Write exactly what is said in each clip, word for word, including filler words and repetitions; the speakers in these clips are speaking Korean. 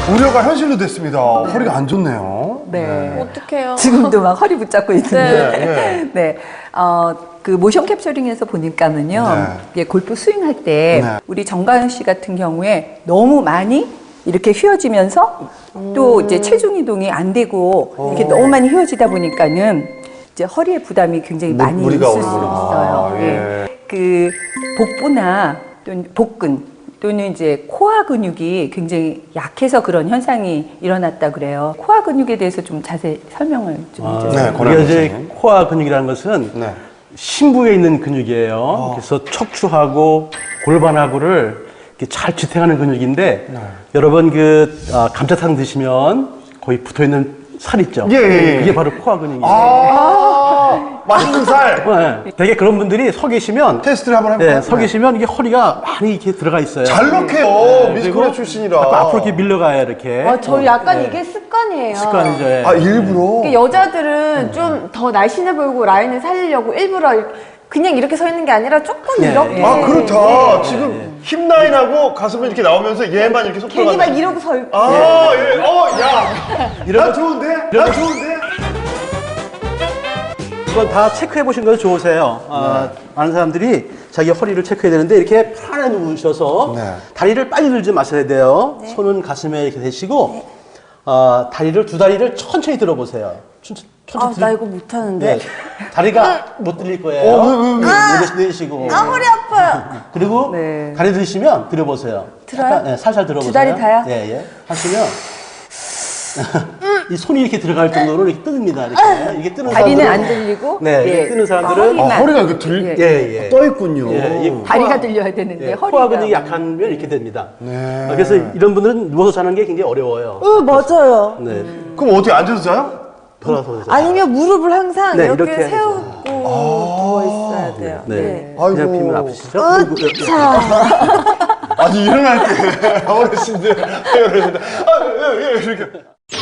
우려가 현실로 됐습니다. 허리가 안 좋네요. 네. 네. 어떡해요. 지금도 막 허리 붙잡고 있는데. 네, 네. 네. 어, 그 모션 캡처링에서 보니까는요. 네. 이게 골프 스윙할 때 네. 우리 정가연 씨 같은 경우에 너무 많이 이렇게 휘어지면서 또 이제 체중 이동이 안 되고 이렇게 너무 많이 휘어지다 보니까는 이제 허리에 부담이 굉장히 무- 많이 무리가 있을 수 오는구나. 있어요. 아, 예. 예. 그 복부나 또는 복근 또는 이제 코어 근육이 굉장히 약해서 그런 현상이 일어났다 그래요. 코어 근육에 대해서 좀 자세히 설명을 좀 아, 해주세요. 네, 권한 우리가 이제 선생님. 코어 근육이라는 것은 네. 심부에 있는 근육이에요. 그래서 척추하고 골반하고를 이렇게 잘 지탱하는 근육인데 네. 여러분 그 아, 감자탕 드시면 거의 붙어 있는 살 있죠. 예, 예, 예. 이게 바로 코어 근육이에요. 아, 맛있는 살. 네. 되게 그런 분들이 서 계시면 테스트를 한번 해볼까요? 네, 서 계시면 이게 허리가 많이 이렇게 들어가 있어요. 잘 넣게요. 네, 미스코리아 그리고 출신이라. 자꾸 앞으로 이렇게 밀려가요, 이렇게. 아, 저 약간 네. 이게 습관이에요. 습관이죠. 예. 아, 일부러? 그러니까 여자들은 좀 더 날씬해 보이고 라인을 살리려고 일부러 이렇게 그냥 이렇게 서 있는 게 아니라 조금 네. 이렇게. 아, 그렇다. 지금 힙 라인하고 가슴은 이렇게 나오면서 얘만 이렇게 속 괜히 들어가는. 막 이러고 서 있고. 아, 예. 어, 야. 나 좋은데? 나 좋은데? 이건 다 체크해 보신 건 좋으세요. 아, 많은 사람들이 자기 허리를 체크해야 되는데 이렇게 편안하게 누우셔서 네. 다리를 빨리 들지 마셔야 돼요. 손은 가슴에 이렇게 대시고 어, 다리를 두 다리를 천천히 들어보세요. 천천히, 아, 천천히 나 들- 이거 못하는데. 네. 다리가 못 들릴 거예요. 어, 왜, 왜, 왜? 네, 내쉬고. 아, 허리 아파요. 그리고 네. 다리 들으시면 들어보세요. 들어요? 약간, 네, 살살 들어보세요. 두 다리 다요? 예, 예. 하시면 이 손이 이렇게 들어갈 정도로 이렇게 뜹니다. 이렇게. 이게 뜨는 다리는 사람들은- 안 들리고 네, 이렇게 뜨는 사람들은 허리만. 아, 허리가 이렇게 들, 예. 예, 예. 떠 있군요. 예, 이 다리가 들려야 되는데 예, 허리가 코어 근육이 약하면 이렇게 됩니다. 네. 아, 그래서 이런 분들은 누워서 자는 게 굉장히 어려워요. 어, 맞아요. 네. 그럼 어떻게 앉아서 자요? 돌아서 자요. 아니면 무릎을 항상 네, 이렇게, 이렇게 세우고 누워 있어야 돼요. 네. 네. 아이고. 그냥 피면 아프시죠? 아니, 일어날 때 어르신들, 어르신들. 아, 예, 예, 이렇게.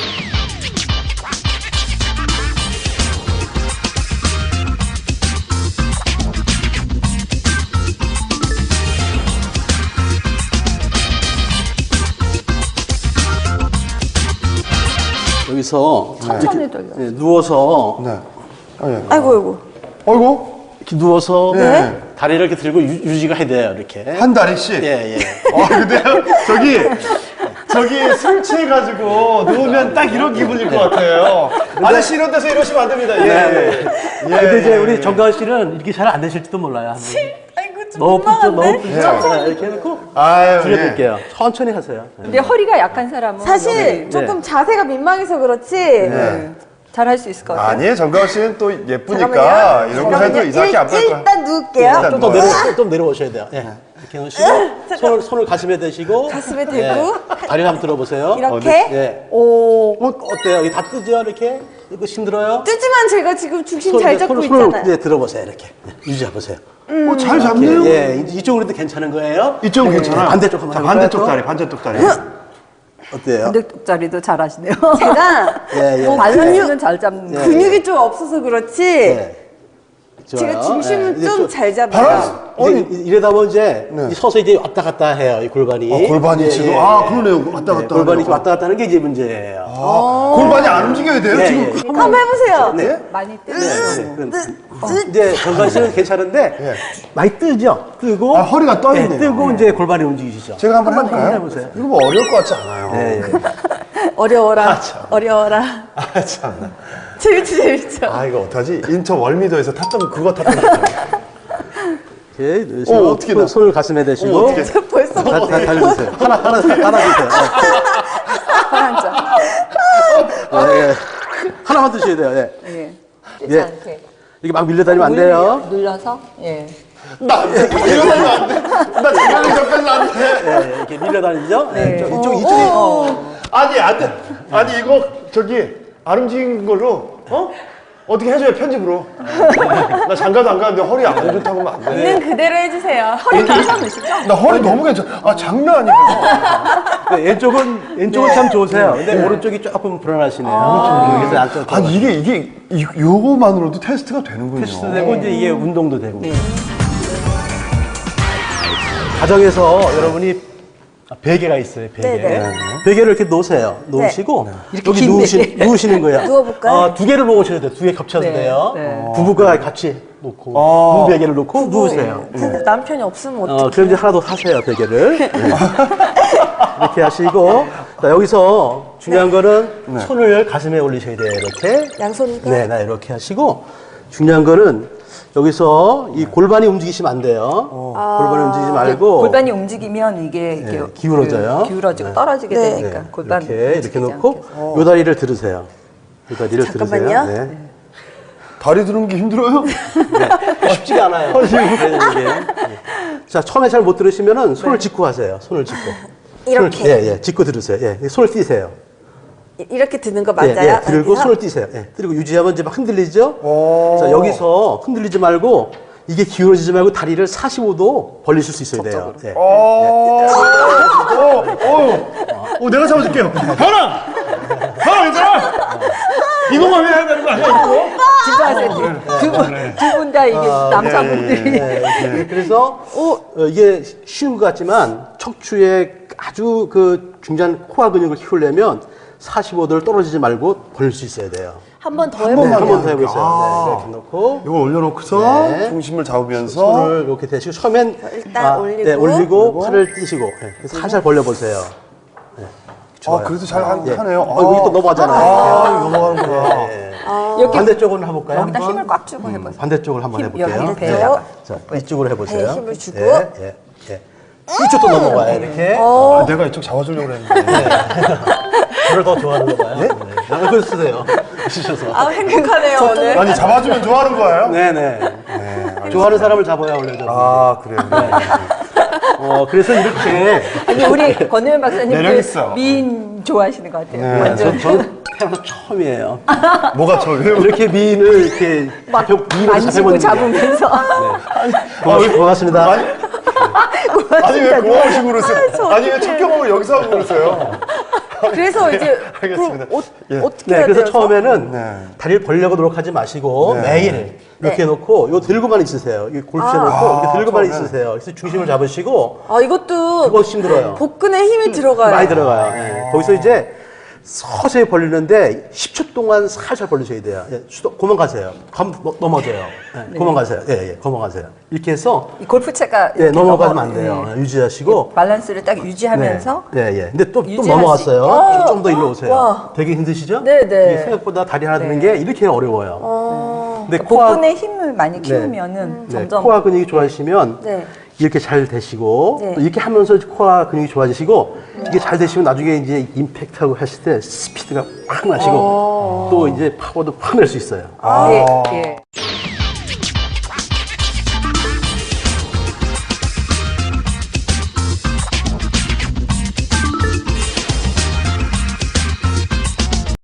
여기서 천천히 이렇게, 돌려. 예, 누워서 네. 아, 예. 아이고, 아이고. 어이구. 이렇게 누워서 네. 다리를 이렇게 들고 유, 유지가 해야 돼요. 이렇게. 한 다리씩? 예, 예. 아, 근데요? 저기, 저기 술 취해가지고 누우면 딱 이런 기분일 것 같아요. 아저씨 이런 데서 이러시면 안 됩니다. 예. 예. 아, 근데 이제 우리 정가은 씨는 이렇게 잘 안 되실지도 몰라요. 한번. 아이고, 좀 너무 붙죠, 너무 민망한데? 붙죠. 자, 이렇게 해놓고 아유, 줄여드릴게요. 천천히 하세요. 네. 근데 허리가 약한 사람은 사실 여기 조금 자세가 민망해서 그렇지. 잘할 수 있을 것 같아요. 아니에요. 정가은 씨는 또 예쁘니까 잠깐만요. 이런 거 해도 잠깐만요. 이상하게 안 빨 거야. 일단 누울게요. 일단 좀 더 누워요. 내려, 좀 내려오셔야 돼요. 예. 이렇게 놓으시고, 손을, 손을 가슴에 대시고, 가슴에 대고. 예. 다리를 한번 들어보세요. 이렇게. 예. 오. 어, 어때요? 이게 다 뜨죠? 이렇게? 이거 힘들어요? 뜨지만 제가 지금 중심 손, 잘 이제 잡고 손을, 손을 있잖아요. 이제 들어보세요. 이렇게. 네, 유지해보세요. 어, 잘 잡네요. 예, 이- 이쪽으로도 괜찮은 거예요? 이쪽은 괜찮아. 반대쪽 한번 자, 해볼까요, 반대쪽 또? 다리, 반대쪽 다리. 어때요? 반대쪽자리도 잘하시네요. 제가 예, 예. 밸런스는 잘 잡는 예. 거. 근육이 좀 없어서 그렇지. 네. 제가 좋아요. 중심을 예, 이제 좀 좀- 잘 바란스. 잡아요. 이제 이- 이러다 보면 이제 네. 이 서서 이제 왔다 갔다 해요, 이 골반이. 어, 골반이 예, 지금. 예, 아, 예. 그러네요. 왔다 네, 갔다. 골반이 하네요. 이렇게 왔다 갔다 하는 게 이제 문제예요. 아, 골반이 안 움직여야 돼요, 예, 지금? 예. 한번 해보세요. 네. 많이 뜨. 네, 네. 그럼 이제 정관 씨는 괜찮은데 예. 많이 뜨죠? 뜨고 아, 허리가 떠 있네요. 예, 뜨고 이제 골반이 움직이시죠? 제가 한번 한번 해볼까요? 해보세요. 이거 뭐 어려울 것 같지 않아요. 예, 예. 어려워라. 어려워라. 아, 참. 재밌지, 재밌죠. 아, 이거 어떡하지? 인천 월미도에서 탔던 그거 탔던 거. 이렇게 어, 넣으시고 어떻게 손- 나- 손을 가슴에 대시고 어, 어떻게. 저 벌써 다, 다, 달려주세요. 하나, 하나, 하나 주세요. 한 점. 예. 예, 예. 하나만 드셔야 돼요. 예. 예. 예. 뜨지 않게. 이렇게 막 밀려다니면 안 돼요. 눌러서. 예. 나, 이러면 안 돼. 나 지금 접근은 안 돼. 예, 예. 이렇게 밀려다니죠? 예. 네. 이쪽, 이쪽, 이쪽이. 아니, 안 돼. 아니, 이거, 저기, 안 움직인 걸로, 어? 어떻게 해줘요, 편집으로. 나 장가도 안 가는데 허리 안 좋다고 하면 안 돼. 있는 그대로 해주세요. 허리 괜찮으시죠? 나 허리 너무 괜찮아. 아, 장난 아니에요. 네, 왼쪽은, 왼쪽은 참 좋으세요. 근데 오른쪽이 조금 불안하시네요. 그래서 안쪽. 아니, 이게, 이게, 이, 요거만으로도 테스트가 되는군요. 테스트도 되고, 이제 이게 운동도 되고. 가정에서 여러분이 아, 베개가 있어요, 베개. 네네. 네. 베개를 이렇게 놓으세요. 놓으시고 이렇게 여기 긴 누우시, 베개. 누우시는 거예요. 누워볼까요? 아, 두 개를 놓으셔야 돼요. 두 개 겹쳐도 네, 돼요. 네. 부부가 같이 놓고 아. 부부 베개를 놓고 누우세요. 근데 남편이 없으면 어떡해. 어, 그럼 이제 하나 더 사세요, 베개를. 네. 이렇게 하시고, 자, 여기서 중요한 거는 손을 가슴에 올리셔야 돼요, 이렇게. 양손과? 네, 나 이렇게 하시고, 중요한 거는 여기서 이 골반이 움직이시면 안 돼요. 골반이 움직이지 말고. 골반이 움직이면 이게 이렇게 네, 기울어져요. 그 기울어지고 네. 떨어지게 네. 되니까 네, 골반 이렇게, 이렇게 움직이지 놓고, 않게. 요 다리를 들으세요. 요 다리를 잠깐만요. 들으세요. 네. 다리 드는 게 힘들어요? 네. 쉽지가 않아요. 그래서 이게. 네. 자, 처음에 잘 못 들으시면은 손을 짚고 하세요. 손을 짚고. 이렇게? 손을, 예, 예, 짚고 들으세요. 예, 손을 띄세요. 이- 이렇게 드는 거 예, 맞아요? 예, 들고 여기서? 손을 띄세요. 예, 그리고 유지하면 이제 막 흔들리죠? 오. 자, 여기서 흔들리지 말고, 이게 기울어지지 말고 다리를 사십오 도 벌리실 수 있어야 돼요. 예. 어, 어, 어, 어, 내가 잡아줄게요. 현아! 현아, 얘들아! 이거만 해야 되는 거 아니야, 이거? 집중하세요. 두분 분 다 이게 남자분들이 네, 네. 그래서 어, 이게 쉬운 것 같지만 척추의 아주 그 중간 코어 근육을 키우려면 사십오 도를 떨어지지 말고 벌릴 수 있어야 돼요. 한 번 더 한 네, 번만 해볼게요. 한 번 더 해보세요. 아. 네, 이렇게 놓고 이거 올려놓고서 네. 중심을 잡으면서 손을 이렇게 대시고 처음엔 일단 올리고. 네, 올리고 팔을 띄시고 네, 그래서 살살 벌려보세요. 네, 아, 그래도 잘 하, 예. 하네요. 어, 여기 또 넘어가잖아요. 아, 이거 넘어가는구나. 네. 여기 반대쪽으로 해볼까요? 여기다 한번? 힘을 꽉 주고 해보세요. 반대쪽을 한번 힘, 해볼게요. 여기 배에다가. 자, 이쪽으로 해보세요. 배에 힘을 주고. 예, 예, 예. 이쪽도 넘어가요, 이렇게. 아, 내가 이쪽 잡아주려고 그랬는데. 저를 더 좋아하는 거봐요. 네? 아, 그걸 쓰세요. 쓰셔서. 아, 행복하네요, 오늘. 아니, 잡아주면 좋아하는 거예요? 네네. 좋아하는 사람을 잡아야 원래 저. 아, 그래요. 어, 그래서 이렇게. 아니 우리 권혜연 박사님 매력 그 있어. 미인 좋아하시는 것 같아요. 네. 완전 저, 저는 태어나서 처음이에요. 뭐가 저예요? 이렇게 미인을 이렇게 막 잡혀, 미인을 만지고 잡혀보는 게. 잡으면서 고맙- 고맙습니다. 아니, 아니 왜 고마우시고 그러세요? 아니 왜 첫 경험을 여기서 하고 그러세요? 그래서 이제 알겠습니다. 그럼 어, 예. 어떻게 네, 해야 그래서 돼요? 처음에는 네. 다리를 벌려고 노력하지 마시고 네. 매일 이렇게 네. 놓고 이거 들고만 있으세요. 이 골프에 놓고 아, 이렇게 들고만 처음에. 있으세요. 그래서 중심을 잡으시고 아, 이것도 그거 힘들어요. 복근에 힘이 들어가요. 많이 들어가요. 예. 거기서 이제 서서히 벌리는데 십 초 동안 살살 벌리셔야 돼요. 예, 수도, 그만 가세요. 감, 넘- 넘어져요. 예, 그만 가세요. 예, 예, 그만 가세요. 이렇게 해서 이 골프채가 예, 이렇게 넘어가면 넘어- 안 돼요. 네. 예, 유지하시고. 밸런스를 딱 유지하면서 네, 예, 예. 근데 또, 또 유지할 넘어갔어요. 좀 더 일로 오세요. 와. 되게 힘드시죠? 네, 네. 이게 생각보다 다리 하나 드는 게 이렇게 어려워요. 어, 근데 코어, 복근의 힘을 많이 키우면은 네, 점점 코어 근육이 좋아지시면 네. 이렇게 잘 되시고 네. 또 이렇게 하면서 코어 근육이 좋아지시고 이게 잘 되시면 나중에 이제 임팩트하고 하실 때 스피드가 확 나시고 또 이제 파워도 확 낼 수 있어요. 예, 예.